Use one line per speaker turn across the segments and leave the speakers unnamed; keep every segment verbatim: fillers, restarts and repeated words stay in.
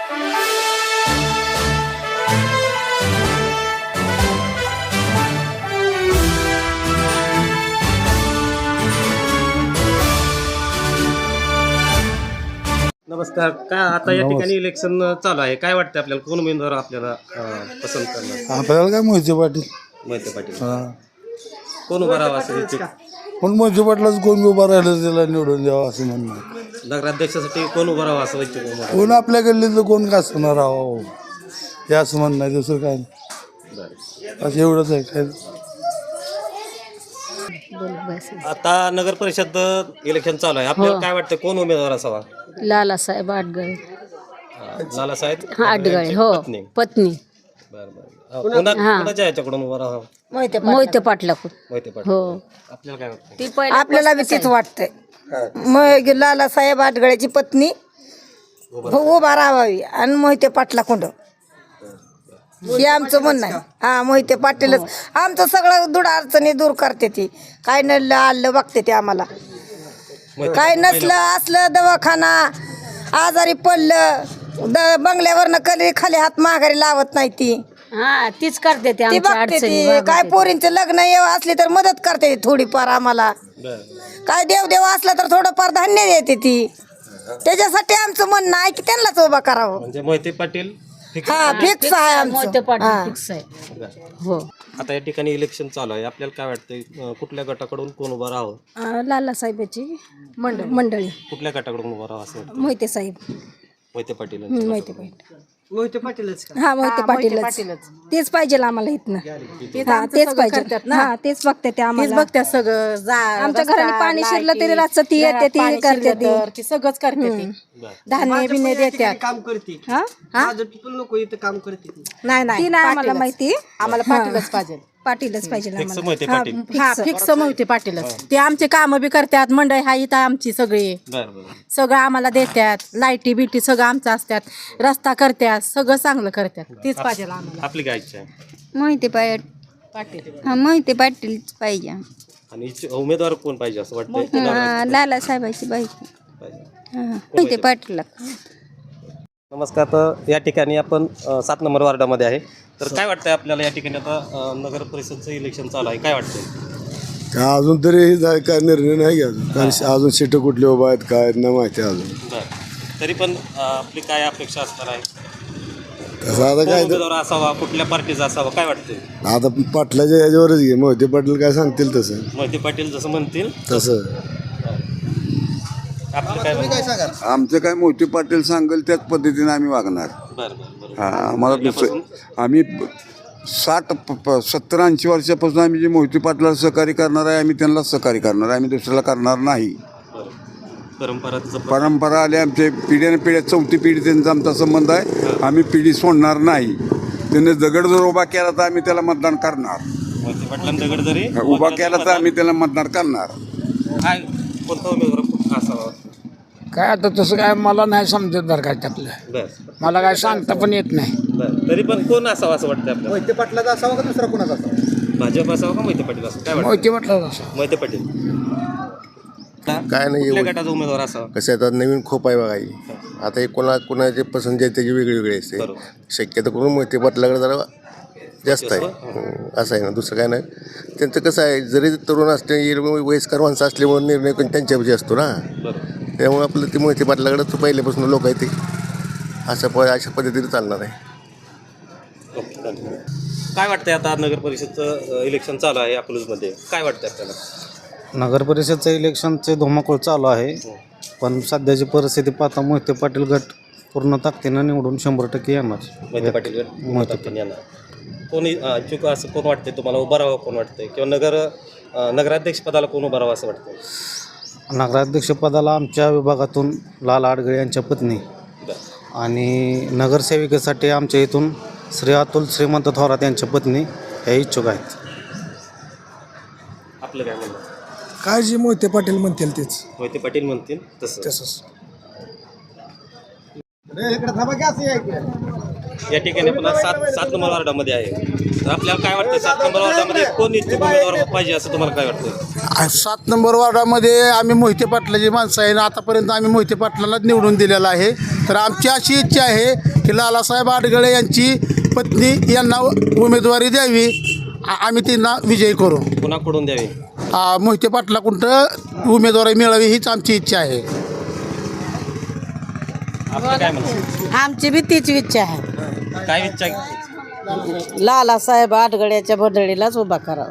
नमस्कार. काय आता या ठिकाणी इलेक्शन चालू आहे, काय वाटतं आपल्याला, कोण उमेदवार आपल्याला अं, पसंत करणार?
आपल्याला काय मोहिते पाटील
मोहिते पाटील. कोण उभा राहावा असं इच्छुक?
पण मोहिते पाटलाच कोण उभा राहिलं त्याला निवडून द्यावं असं म्हणणं आहे.
नगराध्यक्षासाठी कोण उभा राहावा असं इच्छुक उमेदवार?
कोण आपल्या गल्लीतलं कोण का असणार राहावं हे असं म्हणणं आहे, दुसरं काय नाही.
बरं.
असं एवढंच आहे काय.
आता नगर परिषद इलेक्शन चालू आहे, आपल्याला काय वाटतं कोण उमेदवार असावा?
लालासाहेब आडगळे.
लालासाहेब
आडगळे हो
पत्नी.
पत्नी
बरं बरं. कोणा कोणाच्या याच्याकडून उभा राहावा?
मोहिते पाटलाकडून.
मोहिते पाटील.
हो
आपल्याला काय वाटतं?
ती पहिला
आपल्याला बी तीच वाटतंय. मग लालासाहेब आडगळ्याची पत्नी उभा राहावी आणि मोहिते पाटला कोंड हे आमचं म्हणणं आहे. हा मोहिते पाटीलच आमचं सगळं दुड अडचणी दूर करते ती. काय नडलं आलं बघते ते आम्हाला. काय नसलं असलं दवाखाना आजारी पडलं द बंगल्यावरनं कधी खाली हात माघारी लावत नाही ती.
हा तीच करते ते
ती
आमच्या
बघते
अडचणी
ती.
भागवते
काय
ती.
पोरींचं लग्न येव असली तर मदत करते ती थोडीफार आम्हाला. काय देवदेव असलं तर थोडंफार धान्य देते ती. त्याच्यासाठी आमचं म्हणणं आहे की त्यांनाच उभा करावं.
म्हणजे मोहिते पाटील fix.
हा फिक्स आहे
मोहिते
आमचं.
पाटील
हा.
फिक्स आहे.
बरं.
हो
आता या ठिकाणी इलेक्शन चालू आहे, आपल्याला काय वाटतंय अं, कुठल्या गटाकडून कोण उभा राहावं?
लालासाहेबाची मंडळ मंडळी
कुठल्या गटाकडून उभा राहावं असं वाटतं?
मोहिते साहेब.
मोहिते पाटील.
मोहिते पाटील.
मोहिते पाटीलच
हा मोहिते पाटीलच तेच पाहिजे आम्हाला इथनं. हा तेच पाहिजे. हा तेच बघते ते आम्हाला.
बघते सगळं
आमच्या घराने पाणी शिरलं तरी रातचं ती येते ती हे करते ती.
ती सगळंच करते ती.
बरं.
धान्य बिन्य देतात.
काम करते
हा
नको इथं काम करते ती.
नाही
ती
नाही
नाही आम्हाला माहिती.
आम्हाला पाटीलच पाहिजे.
पाटीलच पाहिजे
Fix
आम्हाला.
मोहिते पाटील.
हा फिक्स मोहिते पाटीलच. ते आमचे काम बी करतात. मंडळी हा इथं आमची सगळी
बरं बरं.
सगळं आम्हाला देतात. लाईटी बिटी सगळं आमचं असतात. रस्ता करतात. सगळं चांगलं करतात. तीच पाहिजे आम्हाला.
आपली काय इच्छा आहे?
मोहिते पाटील.
पाटील
हा मोहिते पाटीलच पाहिजे.
आणि इच्छ- उमेदवार कोण पाहिजे असं वाटतं?
हा, लालासाहेबाची बाईक
पाहिजे.
मोहिते पाटील.
नमस्कार. तर या ठिकाणी आपण अ, सात नंबर वार्डामध्ये आहे. तर काय वाटतंय आपल्याला या ठिकाणी आता अ, नगर परिषदचं इलेक्शन चालू आहे, काय वाटतंय?
काय अजून तरी जा- काय निर्णय नाही घ्या अजून. कारण अजून सीटं कुठली उभा आहेत काय नाही माहिती आहे अजून.
बरं. तरी पण अ, आपली काय अपेक्षा असणार आहे?
कसं आता
कोण
काय तर
उमेदवार असावा, कुठल्या पार्टीचा असावा, काय वाटतंय?
आता पाटलाच्या ह्याच्यावरच घे. मोहिते पाटील काय सांगतील तसं
मोहिते पाटील जसं म्हणतील
तसं.
आपलं काय म्हणणं?
आमचं काय मोहिते पाटील सांगेल त्याच पद्धतीने आम्ही वागणार.
बरं बरं बरं.
हा आम्हाला दुसरं आम्ही साठ प- प- सत्तर ऐंशी वर्षापासून आम्ही जे मोहिते पाटलाला सहकार्य करणार आहे आम्ही त्यांना सहकार्य करणार आहे. आम्ही दुसऱ्याला करणार नाही.
बरं. परंपरा जपत-
परंपरा आली आमचे पिढ्याने पिढ्या चौथी पिढी त्यांचा आमचा संबंध आहे. आम्ही पिढी सोडणार नाही. त्याने दगड जर उभा केला तर आम्ही त्याला मतदान करणार.
मोहिते पाटलांना दगड जरी
उभा केला तर आम्ही त्याला मतदान करणार.
काय कोणता उमेदवार असावा?
काय आता तसं काय मला नाही समजत बरं काय त्यातलं.
बरं
मला काय सांगता पण येत नाही.
बरं. तरी पण कोण असावा असं वाटतं आपल्याला?
मोहिते पाटलाचा असावा का दुसरा कोणाचा असावा?
भाजप असावा का मोहिते पाटील असावा, काय वाटतं?
मोहिते पाटलाचा असावा.
मोहिते पाटील.
काय नाही
कुठल्या गटाचा उमेदवार असावा?
कसं आहे आता नवीन खूप आहे बघा ही. आता हे कोणा कोणाचे पसंती आहे त्याची वेगळी वेगळी असते.
बरोबर.
शक्यतो करून मोहिते पाटलाकडे जरा जास्त आहे. हं, असं आहे ना, दुसरं काय नाही. त्यांचं कसं आहे जरी तरुण असले वयस्कर माणसं असल्यामुळे निर्णय पण त्यांच्यापाशी असतो ना.
बरोबर.
त्यामुळे आपलं ते मोहिते पाटलाकडे तर पहिल्यापासून लोक आहेत ते असं प अशा पद्धतीने चालणार आहे.
ओके, चालेल. काय वाटतंय आता नगर परिषदचं इलेक्शन चालू आहे अकलूजमध्ये, काय वाटतंय आपल्याला?
नगर परिषदचं इलेक्शनचे धुमाकूळ चालू आहे. पण सध्याची परिस्थिती पाहता मोहिते पाटील गट पूर्ण ताकदीनं निवडून शंभर टक्के येणार.
मोहिते पाटील मोहिते पाटील यांना कोणी अ, इच्छुक असं कोण वाटतंय तुम्हाला, उभं राहावं कोण वाटतंय, किंवा नगर अ, नगराध्यक्ष पदाला कोण उभं राहावं असं वाटतंय?
नगराध्यक्षपदाला आमच्या विभागातून लाला आडगळे यांच्या पत्नी आणि नगरसेविकेसाठी आमच्या इथून श्री अतुल श्रीमंत थोरात यांच्या पत्नी ह्या इच्छुक आहेत.
आपलं काय म्हणणं?
काय जे मोहिते पाटील म्हणतील तेच
मोहिते पाटील म्हणतील तसं.
तसंच.
या ठिकाणी आपण सात सात नंबर वार्डामध्ये आहे. तर आपल्याला काय वाटतं सात नंबर वार्डामध्ये कोण इच्छुक उमेदवार पाहिजे असं तुम्हाला काय वाटतं?
सात नंबर वार्डामध्ये आम्ही मोहिते पाटलाची माणसं आहे ना, आतापर्यंत आम्ही मोहिते पाटलालाच निवडून दिलेला आहे. तर आमची अशी इच्छा आहे की लालासाहेब आडगळे यांची पत्नी यांना उमेदवारी द्यावी, आ- आम्ही त्यांना विजयी करू.
कुणाकडून द्यावी?
आ, मोहिते पाटलाकडून उमेदवारी मिळावी हीच आमची इच्छा आहे.
आपलं काय म्हणणं?
आमची बी तीच इच्छा आहे.
काय इच्छा?
लालासाहेब आडगड्याच्या बदळीलाच उभा करावं.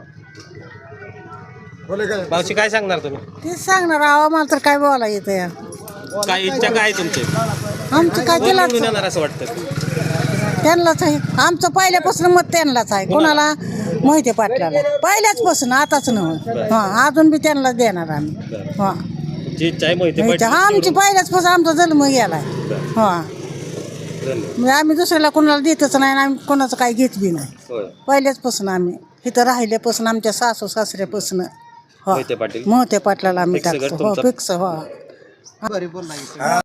मावशी काय सांगणार तुम्ही?
तेच सांगणार आहो, मला तर काय बोला येतं या.
काय इच्छा काय आहे तुमची?
आमचं काय
कोण
केलं
निवडून येणार असं वाटतं?
त्यांनाच आहे. आमचं पहिल्यापासून मत त्यांनाच आहे. कोणाला? मोहिते पाटलाला. पहिल्याचपासून, आताच नव्हे. हा, अजून बी त्यांनाच देणार आम्ही. हा,
जी इच्छा आहे मोहिते पाटील
आमची पहिल्याचपासून आमचा जन्म गेलाय. हा, म्हणजे आम्ही दुसऱ्याला कोणाला देतच नाही आणि आम्ही कोणाचं काही घेत बी नाही.
होय.
पहिल्याचपासून आम्ही इथं राहिल्यापासून आमच्या सासू सासऱ्यापासून
मोहिते पाटील
मोहिते पाटलाला आम्ही
फिक्स गट
टाकतो. हो,
तुमचा?
फिक्स. हो.